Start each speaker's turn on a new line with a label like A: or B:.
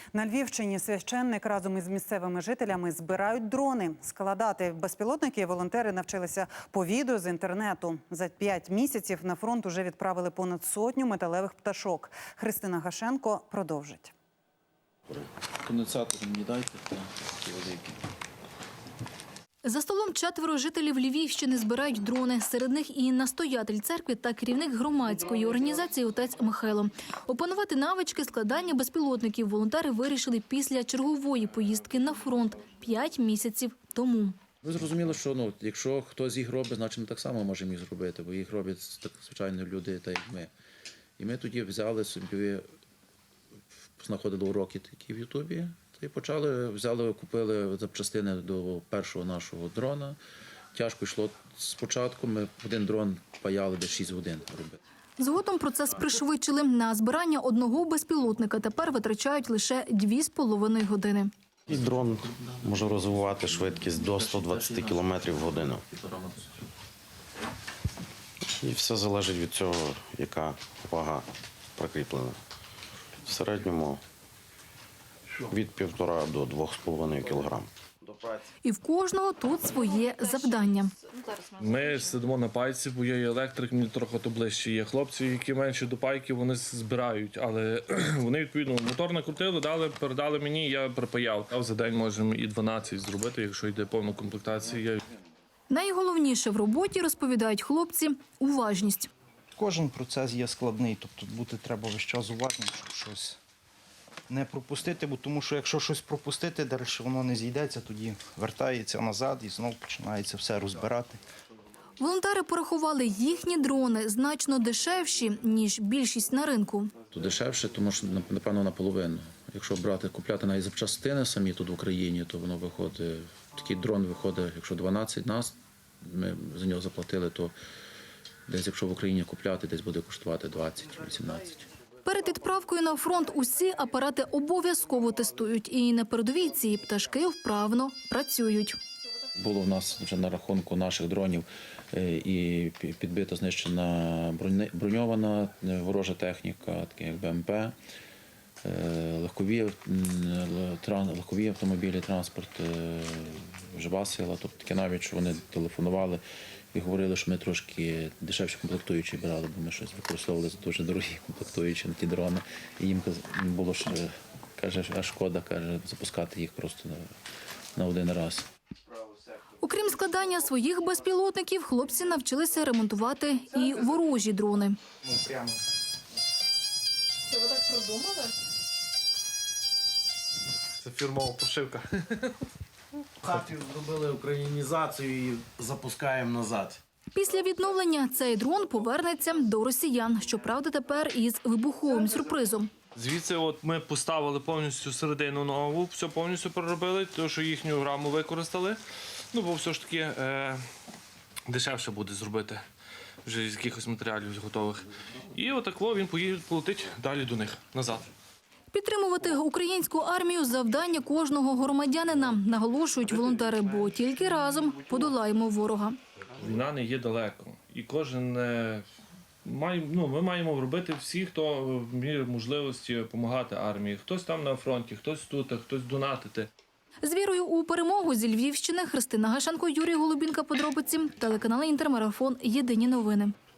A: На Львівщині священник разом із місцевими жителями збирають дрони. Складати безпілотники волонтери навчилися по відео з інтернету. За 5 місяців на фронт уже відправили понад 100 металевих пташок. Христина Гашенко продовжить.
B: Конденсатор мені дайте, такі великі.
C: За столом 4 жителів Львівщини збирають дрони. Серед них і настоятель церкви та керівник громадської організації отець Михайло. Опанувати навички складання безпілотників волонтери вирішили після чергової поїздки на фронт 5 місяців тому.
B: Ви зрозуміли, що якщо хтось їх робить, значить ми так само можемо їх зробити, бо їх роблять звичайно люди, так як ми. І ми тоді взяли собі, знаходили уроки такі в Ютубі, і купили запчастини до першого нашого дрона. Тяжко йшло спочатку, ми один дрон паяли десь 6 годин робити.
C: Згодом процес пришвидшили. На збирання одного безпілотника тепер витрачають лише 2,5 години.
D: І дрон може розвивати швидкість до 120 км в годину. І все залежить від цього, яка вага прикріплена. В середньому від 1,5 до 2,5 кг.
C: І в кожного тут своє завдання.
E: Ми сидимо на пайці, бо я є електрик, мені трохи то ближче є. Хлопці, які менші до пайки, вони збирають, але вони, відповідно, мотор накрутили, передали мені, я припаяв. А за день можемо і 12 зробити, якщо йде повна комплектація.
C: Найголовніше в роботі, розповідають хлопці, уважність.
F: Кожен процес є складний, тобто бути треба весь час уважним, щоб щось не пропустити, бо тому що якщо щось пропустити, далі воно не зійдеться, тоді вертається назад і знову починається все розбирати.
C: Волонтери порахували, їхні дрони значно дешевші, ніж більшість на ринку.
B: То дешевше, тому що, напевно, наполовину. Якщо купляти навіть запчастини самі тут в Україні, то воно виходить, такий дрон виходить, якщо 12 нас, ми за нього заплатили, то десь, якщо в Україні купляти, десь буде коштувати 20-18.
C: Перед відправкою на фронт усі апарати обов'язково тестують. І на передовій ці пташки вправно працюють.
B: Було в нас вже на рахунку наших дронів і підбита, знищена броньована ворожа техніка, такі як БМП, легкові автомобілі, транспорт, жива сила. Тобто таке навіть, що вони телефонували і говорили, що ми трошки дешевші комплектуючі брали, бо ми щось використовували дуже дорогі комплектуючі на ті дрони. І їм було, каже, шкода, запускати їх просто на один раз.
C: Окрім складання своїх безпілотників, хлопці навчилися ремонтувати і ворожі дрони.
G: Це ви так продумали?
E: Це фірмова пошивка.
D: В хаті зробили українізацію і запускаємо назад.
C: Після відновлення цей дрон повернеться до росіян. Щоправда, тепер із вибуховим сюрпризом.
E: Звідси ми поставили повністю середину нову, все повністю переробили, тому що їхню раму використали. Бо все ж таки дешевше буде зробити вже з якихось матеріалів готових. І отако він полетить далі до них, назад.
C: Підтримувати українську армію – завдання кожного громадянина, наголошують волонтери, бо тільки разом подолаємо ворога.
E: Війна не є далеко. І кожен ми маємо робити всі, хто в мірі можливості допомагати армії. Хтось там на фронті, хтось тут, хтось донатити.
C: З вірою у перемогу зі Львівщини Христина Гашенко, Юрій Голубінка. Подробиці. Телеканал Інтермарафон. Єдині новини.